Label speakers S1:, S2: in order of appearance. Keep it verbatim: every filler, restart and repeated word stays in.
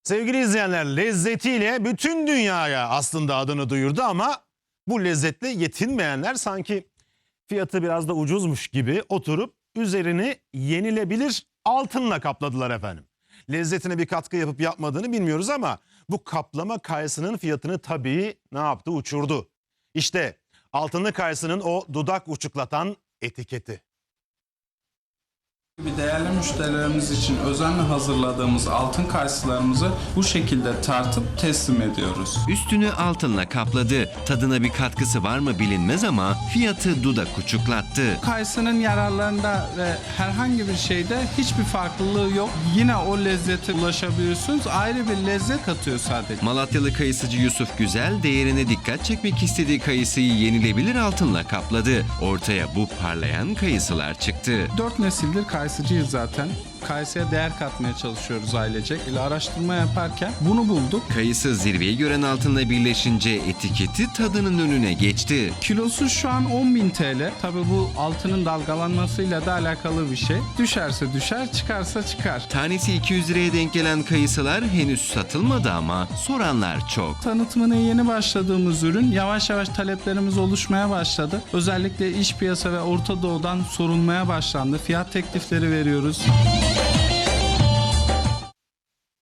S1: Sevgili izleyenler, lezzetiyle bütün dünyaya aslında adını duyurdu ama bu lezzetle yetinmeyenler sanki fiyatı biraz da ucuzmuş gibi oturup üzerini yenilebilir altınla kapladılar efendim. Lezzetine bir katkı yapıp yapmadığını bilmiyoruz ama bu kaplama kayısının fiyatını tabii ne yaptı? Uçurdu. İşte altınlı kayısının o dudak uçuklatan etiketi.
S2: Değerli müşterilerimiz için özenle hazırladığımız altın kayısılarımızı bu şekilde tartıp teslim ediyoruz.
S3: Üstünü altınla kapladı. Tadına bir katkısı var mı bilinmez ama fiyatı dudak uçuklattı.
S2: Kayısının yararlarında ve herhangi bir şeyde hiçbir farklılığı yok. Yine o lezzete ulaşabiliyorsunuz. Ayrı bir lezzet katıyor sadece.
S3: Malatyalı kayısıcı Yusuf Güzel değerine dikkat çekmek istediği kayısıyı yenilebilir altınla kapladı. Ortaya bu parlayan kayısılar çıktı.
S2: Dört nesildir kayısıcıyız zaten. Kayısıya değer katmaya çalışıyoruz ailecek. İle araştırma yaparken bunu bulduk.
S3: Kayısı zirveyi gören altınla birleşince etiketi tadının önüne geçti.
S2: Kilosu şu an on bin T L. Tabii bu altının dalgalanmasıyla da alakalı bir şey. Düşerse düşer, çıkarsa çıkar.
S3: Tanesi iki yüz liraya denk gelen kayısılar henüz satılmadı ama soranlar çok.
S2: Tanıtımına yeni başladığımız ürün yavaş yavaş taleplerimiz oluşmaya başladı. Özellikle iç piyasa ve Orta Doğu'dan sorulmaya başlandı. Fiyat teklifleri veriyoruz.